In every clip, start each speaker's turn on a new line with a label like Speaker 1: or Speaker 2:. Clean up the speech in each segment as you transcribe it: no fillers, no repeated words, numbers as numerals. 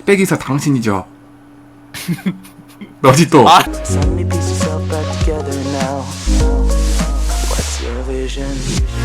Speaker 1: 빼기사 당신이죠. 너지 또.
Speaker 2: Suddenly pieces fell back together now. What's your vision?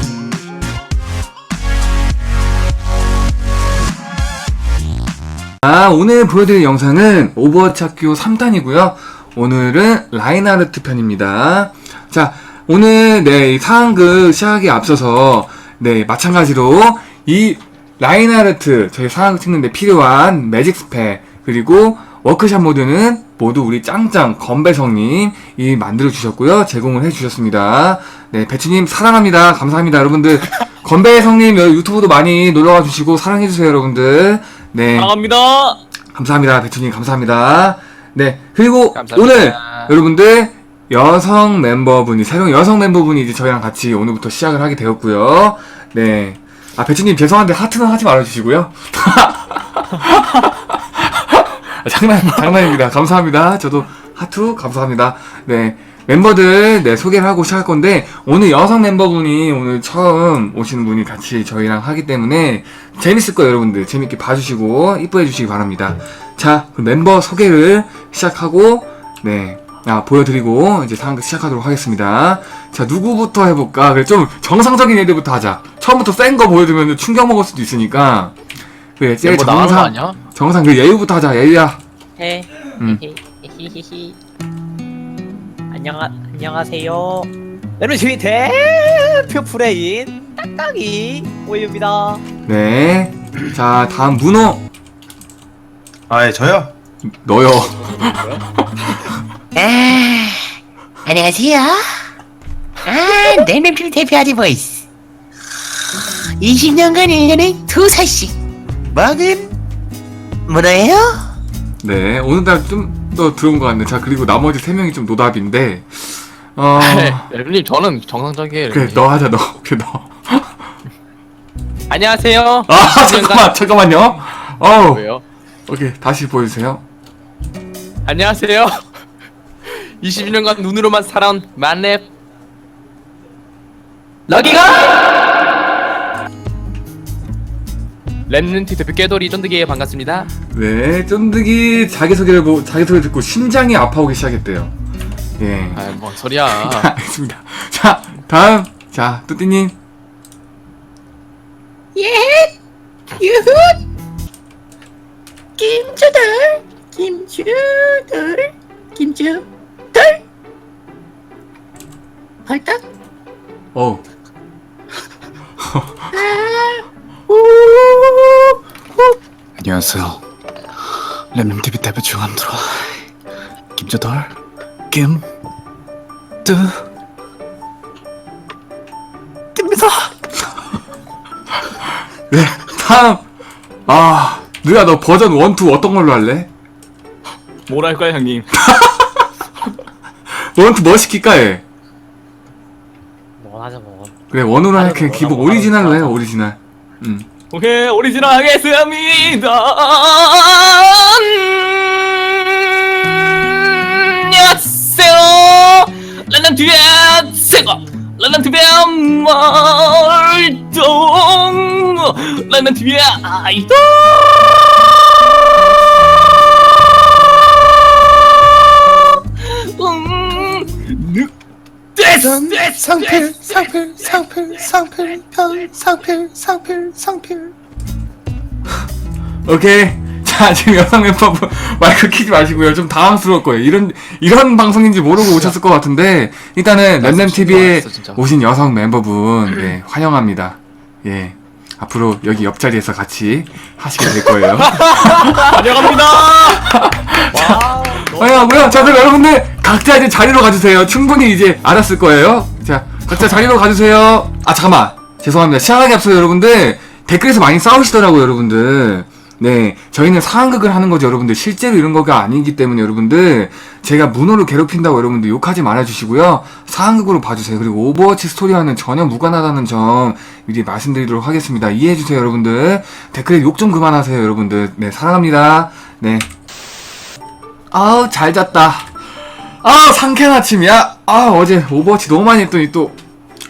Speaker 1: 오늘 보여드릴 영상은 오버워치 학교 3탄이고요. 오늘은 라인하르트 편입니다. 자, 오늘 이 상황극 시작하기에 앞서서 마찬가지로 이 라인하르트 저희 상황극 찍는데 필요한 매직 스펙 그리고 워크샵 모드는 모두 우리 짱짱 건배성님이 만들어 주셨고요. 제공을 해 주셨습니다. 배추님 사랑합니다. 감사합니다. 여러분들 건배성님 유튜브도 많이 놀러와 주시고 사랑해 주세요, 여러분들.
Speaker 3: 사랑합니다.
Speaker 1: 감사합니다. 배추님 감사합니다. 그리고
Speaker 3: 감사합니다.
Speaker 1: 오늘 여러분들 여성 멤버분이 새로운 여성 멤버분이 이제 저희랑 같이 오늘부터 시작을 하게 되었고요. 배추님 죄송한데 하트는 하지 말아주시고요. 장난입니다. 감사합니다. 저도 하트 감사합니다. 멤버들 소개를 하고 시작할 건데 오늘 여성 멤버분이 오늘 처음 오시는 분이 같이 저희랑 하기 때문에 재밌을 거예요, 여러분들. 재밌게 봐주시고 이뻐해 주시기 바랍니다. 자, 그럼 멤버 소개를 시작하고 보여드리고 이제 상황극 시작하도록 하겠습니다. 자, 누구부터 해볼까? 그래, 좀 정상적인 애들부터 하자. 처음부터 센 거 보여주면 충격 먹을 수도 있으니까. 그래, 제일 정상 그 예유부터 하자. 예유야.
Speaker 3: 히히히. 안녕하세요. 여러분 저희 대표 프레인 딱딱이 오유입니다.
Speaker 1: 자, 다음 문호.
Speaker 4: 예, 저요?
Speaker 1: 너요.
Speaker 5: 안녕하세요. 넬멤필 대표하지 보이스. 20년간 1년에 2살씩 먹은 문어예요?
Speaker 1: 오늘따라 좀 더 들어온 것 같네. 자, 그리고 나머지 3명이 좀 노답인데,
Speaker 3: 여러분님 저는 정상적이에요.
Speaker 1: 그래, 너 하자, 너. 그래, 너.
Speaker 3: 안녕하세요.
Speaker 1: 잠깐만요.
Speaker 3: 왜요?
Speaker 1: 오케이, 다시 보여주세요.
Speaker 3: 안녕하세요. 21년간 눈으로만 살아온 만렙 럭키가 랩런트 대표 깨돌이 쫀득이에 반갑습니다.
Speaker 1: 쫀득이 자기소개 듣고 심장이 아파오기 시작했대요.
Speaker 3: 뭔 소리야.
Speaker 1: 알겠습니다. 자, 다음. 자, 뚜띠님.
Speaker 5: 유훗. 김주들. 벌떡.
Speaker 6: 안녕하세요. 랩님TV 대표 중함들어 김조돌 뜹니다.
Speaker 1: 다음. 누야, 너 버전 1, 2 어떤 걸로 할래?
Speaker 3: 뭘 할까요, 형님?
Speaker 1: 1, 2 뭐 시킬까, 얘?
Speaker 3: 뭐 하자 뭐.
Speaker 1: 그래, 원으로 해. 그냥 기본 오리지널로 해, 오리지널.
Speaker 3: 오케이, 오리지널 하겠습니다. 안녕하세요. 란난 뒤에 새거. 란난 뒤에 말동. 란난 뒤에 아이돌.
Speaker 6: 상필.
Speaker 1: 오케이. 자, 지금 여성 멤버분 마이크 키지 마시고요. 좀 당황스러울 거예요. 이런 방송인지 모르고 오셨을 것 같은데, 일단은 랩램TV에 오신 여성 멤버분, 환영합니다. 앞으로 여기 옆자리에서 같이 하시게 될 거예요.
Speaker 3: 환영합니다.
Speaker 1: 환영하고요. 자, 그럼 여러분들 각자 이제 자리로 가주세요. 충분히 이제 알았을 거예요. 자, 각자 자리로 가주세요. 잠깐만. 죄송합니다. 시작하기 앞서 여러분들 댓글에서 많이 싸우시더라고요, 여러분들. 저희는 상황극을 하는 거죠, 여러분들. 실제로 이런 거가 아니기 때문에 여러분들 제가 문호를 괴롭힌다고 여러분들 욕하지 말아주시고요. 상황극으로 봐주세요. 그리고 오버워치 스토리와는 전혀 무관하다는 점 미리 말씀드리도록 하겠습니다. 이해해주세요, 여러분들. 댓글에 욕 좀 그만하세요, 여러분들. 사랑합니다. 잘 잤다. 상쾌한 아침이야. 어제 오버워치 너무 많이 했더니 또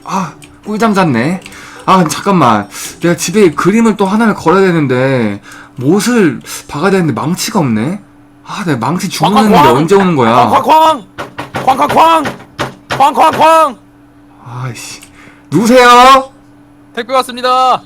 Speaker 1: 꿀잠 잤네. 잠깐만. 내가 집에 그림을 또 하나를 걸어야 되는데 못을 박아야 되는데 망치가 없네. 아, 내가 망치 주문했는데
Speaker 3: 쾅쾅쾅!
Speaker 1: 언제 오는 거야?
Speaker 3: 쾅쾅쾅! 쾅쾅쾅! 쾅쾅쾅!
Speaker 1: 아이씨. 누구세요?
Speaker 3: 택배 왔습니다.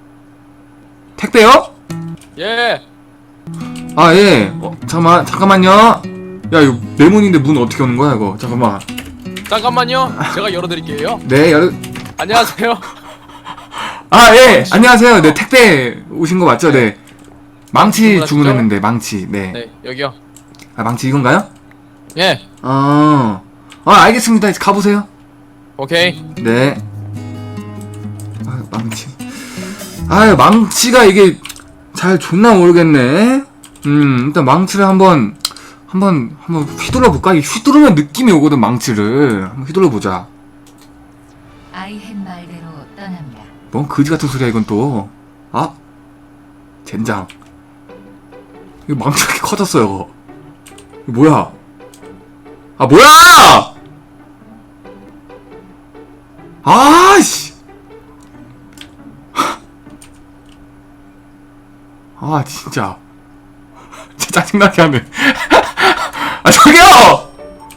Speaker 1: 택배요?
Speaker 3: 예.
Speaker 1: 아, 예. 잠깐만요. 야, 이거 내 문인데 문 어떻게 오는 거야, 이거? 잠깐만.
Speaker 3: 잠깐만요. 제가 열어드릴게요.
Speaker 1: 네,
Speaker 3: 안녕하세요.
Speaker 1: 아, 예. 안녕하세요. 네, 택배 오신 거 맞죠? 네. 망치
Speaker 3: 주문하셨죠?
Speaker 1: 주문했는데, 망치. 네.
Speaker 3: 네, 여기요.
Speaker 1: 아, 망치 이건가요?
Speaker 3: 예.
Speaker 1: 알겠습니다. 이제 가보세요.
Speaker 3: 오케이.
Speaker 1: 네. 아, 망치. 아유, 망치가 이게 잘 존나 모르겠네. 일단 망치를 한번 휘둘러 볼까? 이 휘두르면 느낌이 오거든, 망치를. 한번 휘둘러 보자.
Speaker 7: 아이헨 말대로 떠납니다.
Speaker 1: 뭔 거지 같은 소리야, 이건 또. 아? 젠장. 이거 망치가 이렇게 커졌어요. 이거 뭐야? 아, 뭐야! 아씨! 아, 진짜. 진짜 짜증나게 하네. 아, 저기요!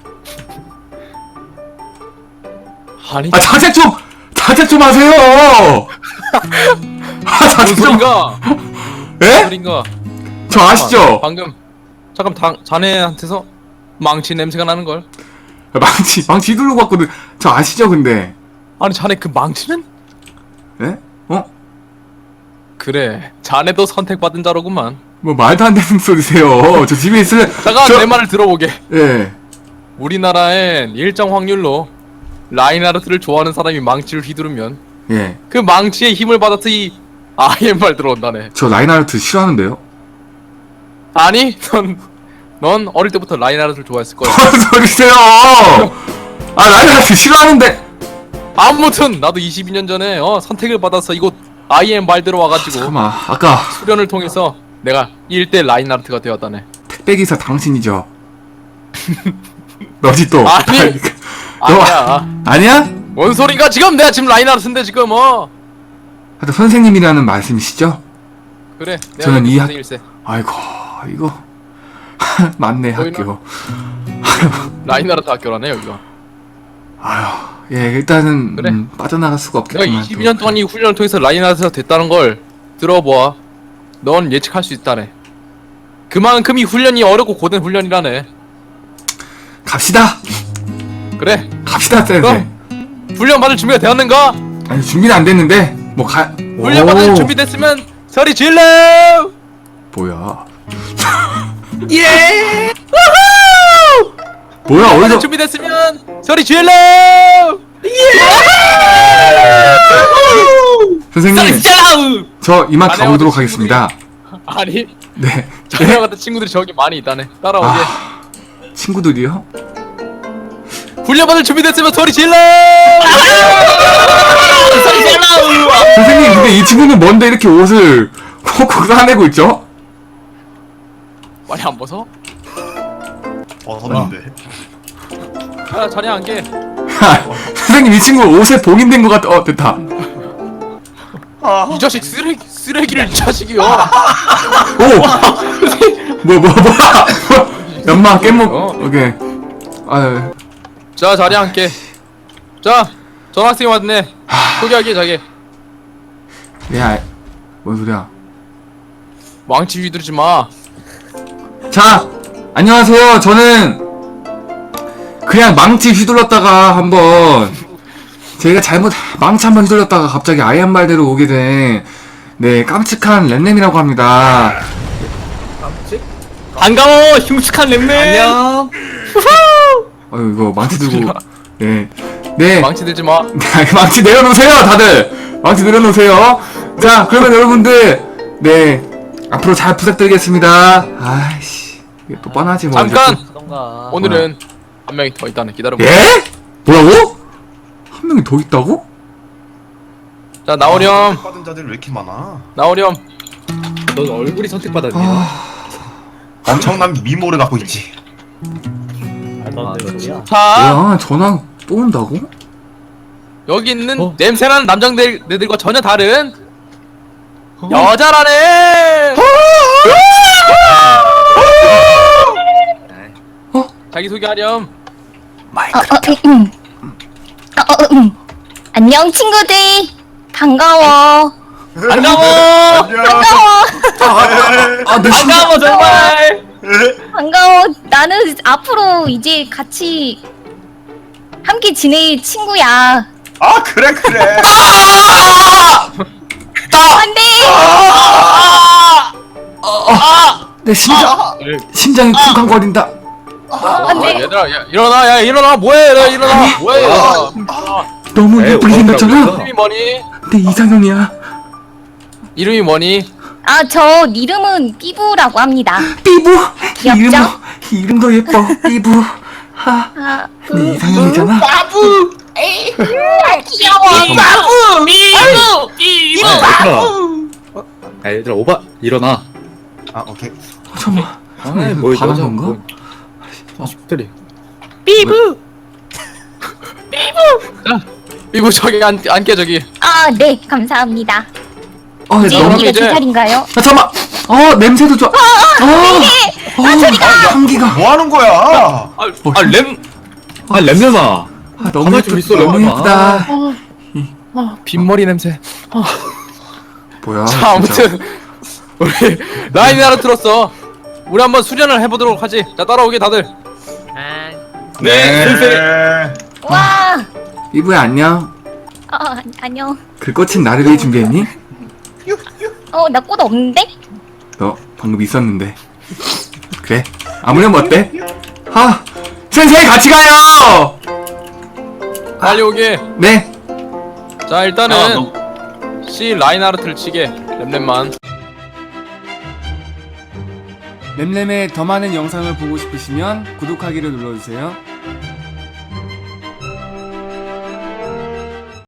Speaker 3: 아니,
Speaker 1: 아, 자제 좀 하세요! 아,
Speaker 3: 무슨
Speaker 1: 자제 좀.
Speaker 3: 소린가?
Speaker 1: 예?
Speaker 3: 소린가?
Speaker 1: 저 아시죠?
Speaker 3: 방금 자네한테서 망치 냄새가 나는 걸.
Speaker 1: 망치 휘두르고 왔거든. 저 아시죠, 근데?
Speaker 3: 아니, 자네 그 망치는?
Speaker 1: 예? 어?
Speaker 3: 그래, 자네도 선택받은 자로구만.
Speaker 1: 뭐 말도 안 되는 소리세요. 저 집에 있을.
Speaker 3: 잠깐 내 말을 들어보게.
Speaker 1: 예.
Speaker 3: 우리나라엔 일정 확률로 라인하르트를 좋아하는 사람이 망치를 휘두르면
Speaker 1: 예.
Speaker 3: 그 망치의 힘을 받아서 이 아이엠말 들어온다네.
Speaker 1: 저 라인하르트 싫어하는데요?
Speaker 3: 아니, 넌 어릴 때부터 라인하르트를 좋아했을 거야.
Speaker 1: 무슨 소리세요? 아, 라인하르트 싫어하는데.
Speaker 3: 아무튼 나도 22년 전에 선택을 받아서 이곳 아이엠 말 들어와가지고
Speaker 1: 잠깐만, 아까
Speaker 3: 수련을 통해서 내가 1대 라인하르트가 되었다네.
Speaker 1: 택배기사 당신이죠? 너지 또.
Speaker 3: 아니.
Speaker 1: 너
Speaker 3: 아니야.
Speaker 1: 아니야?
Speaker 3: 뭔 소린가? 지금 내가 지금 라인하르트인데 지금
Speaker 1: 하여튼 선생님이라는 말씀이시죠?
Speaker 3: 그래. 내가
Speaker 1: 저는 이 학-
Speaker 3: 선생일세.
Speaker 1: 아이고, 이거 맞네,
Speaker 3: 보이나?
Speaker 1: 학교.
Speaker 3: 라인하르트 학교라네 여기가.
Speaker 1: 아휴, 예, 일단은
Speaker 3: 그래.
Speaker 1: 빠져나갈 수가
Speaker 3: 내가
Speaker 1: 없겠구만.
Speaker 3: 22년 동안 이 훈련을 통해서 라인하르트가 됐다는 걸 들어보아. 넌 예측할 수 있다네. 그만큼 이 훈련이 어렵고 고된 훈련이라네.
Speaker 1: 갑시다.
Speaker 3: 그래.
Speaker 1: 갑시다, 쌤.
Speaker 3: 그럼 훈련 받을 준비가 되었는가?
Speaker 1: 아니, 준비는 안 됐는데 뭐
Speaker 3: 훈련 받을
Speaker 1: 오,
Speaker 3: 준비됐으면 소리 질러!
Speaker 1: 뭐야?
Speaker 5: 예!
Speaker 1: 뭐야?
Speaker 3: 훈련 받을
Speaker 1: 어디서?
Speaker 3: 준비됐으면 소리 질러!
Speaker 1: 선생님,
Speaker 3: 소리 질러!
Speaker 1: 저 이만
Speaker 3: 자네와
Speaker 1: 가보도록
Speaker 3: 그
Speaker 1: 하겠습니다.
Speaker 3: 아니,
Speaker 1: 네.
Speaker 3: 자네와 같은 친구들이 저기 많이 있다네. 따라오게.
Speaker 1: 아, 친구들이요?
Speaker 3: 훈련 받을 준비됐으면 소리 질러! 소리 질러!
Speaker 1: 선생님, 근데 이 친구는 뭔데 이렇게 옷을 콕콕 싸내고 있죠?
Speaker 3: 많이 안 벗어?
Speaker 4: 벗었는데.
Speaker 3: 야, 자네 안게.
Speaker 1: 선생님, 이 친구 옷에 봉인된 것 같아. 됐다.
Speaker 3: 이 자식 쓰레기를 이 자식이요.
Speaker 1: 오! 뭐야? 연마, 깻목, 오케이. 아유,
Speaker 3: 자, 자리 앉게. 자, 전학생이 왔네. 소개하게, 자기.
Speaker 1: 야, 뭔 소리야?
Speaker 3: 망치 휘두르지 마.
Speaker 1: 자, 안녕하세요. 저는 그냥 망치 휘둘렀다가 한번 제가 잘못 망치 한번 휘둘렀다가 갑자기 아이언 말대로 오게 된 네, 깜찍한 램램이라고 합니다.
Speaker 3: 반가워, 흉측한 랩맨. 안녕.
Speaker 1: 아유, 이거 망치 들고 네. 네.
Speaker 3: 망치 들지 마.
Speaker 1: 망치 내려놓으세요, 다들. 망치 내려놓으세요. 자, 그러면 여러분들 네, 앞으로 잘 부탁드리겠습니다. 아이씨, 이게 또 뻔하지 뭐.
Speaker 3: 잠깐.
Speaker 1: 이제
Speaker 3: 오늘은 한 명이 더 있다네. 기다려봐.
Speaker 1: 또. 예? 뭐라고? 한 명이 더 있다고?
Speaker 3: 자, 나오렴.
Speaker 4: 받은 자들 왜 이렇게 많아?
Speaker 3: 나오렴.
Speaker 8: 넌 얼굴이 선택받았니?
Speaker 4: 엄청난 미모를 갖고 있지.
Speaker 3: 자,
Speaker 1: 뭐야, 전화 또 온다고?
Speaker 3: 여기 있는 냄새나는 남장들과 전혀 다른 여자라네. 자기 소개하렴.
Speaker 9: 안녕 친구들 반가워.
Speaker 3: 반가워.
Speaker 1: 네.
Speaker 3: 반가워 정말.
Speaker 9: 반가워. 나는 앞으로 이제 같이 함께 지낼 친구야.
Speaker 4: 아 그래 그래.
Speaker 9: 안돼.
Speaker 1: 내 심장이 쿵쾅거린다.
Speaker 9: 안돼.
Speaker 3: 얘들아 야, 일어나 야 일어나 뭐해 얘들아 일어나 뭐해.
Speaker 1: 너무
Speaker 8: 에이,
Speaker 1: 예쁘게 생겼잖아.
Speaker 3: 이름이 뭐니?
Speaker 1: 내 이상형이야.
Speaker 3: 이름이 뭐니?
Speaker 9: 아 저 이름은 삐부라고 합니다.
Speaker 1: 삐부.
Speaker 9: 귀엽죠?
Speaker 1: 이름도 예뻐. 삐부. 하.
Speaker 9: 아,
Speaker 1: 내 이상형이잖아.
Speaker 9: 귀여워.
Speaker 8: 야 얘들아 오바 일어나.
Speaker 4: 아 오케이.
Speaker 1: 잠깐만.
Speaker 8: 아이 뭐
Speaker 1: 반한
Speaker 8: 여자
Speaker 1: 건가?
Speaker 8: 뭐. 아 때리.
Speaker 3: 이거 저기 안깨 저기.
Speaker 9: 아 네 감사합니다. 이제
Speaker 1: 너무.
Speaker 9: 여기가
Speaker 3: 이제-
Speaker 9: 제 자리인가요?
Speaker 1: 잠깐만. 냄새도 좋아. 향기가.
Speaker 4: 뭐 하는 거야?
Speaker 8: 아 렘렘아.
Speaker 1: 너무
Speaker 8: 가만히 좀 있어,
Speaker 1: 너무
Speaker 8: 렘렘아.
Speaker 1: 예쁘다.
Speaker 3: 빈머리 냄새.
Speaker 1: 뭐야?
Speaker 3: 자
Speaker 1: 진짜.
Speaker 3: 아무튼 우리 라인이 하나 들었어. 우리 한번 수련을 해보도록 하지. 자 따라오게 다들.
Speaker 4: 네.
Speaker 9: 와.
Speaker 1: 삐부야 안녕.
Speaker 9: 안녕.
Speaker 1: 그 꽃은 나를 위해 준비했니?
Speaker 9: 나 꽃 없는데?
Speaker 1: 너 방금 있었는데. 그래? 아무렴 어때? 센세이 같이 가요.
Speaker 3: 빨리 오게.
Speaker 1: 네.
Speaker 3: 자 일단은 C 라인하르트를 치게 렘렘만.
Speaker 1: 램램의 더 많은 영상을 보고 싶으시면 구독하기를 눌러주세요.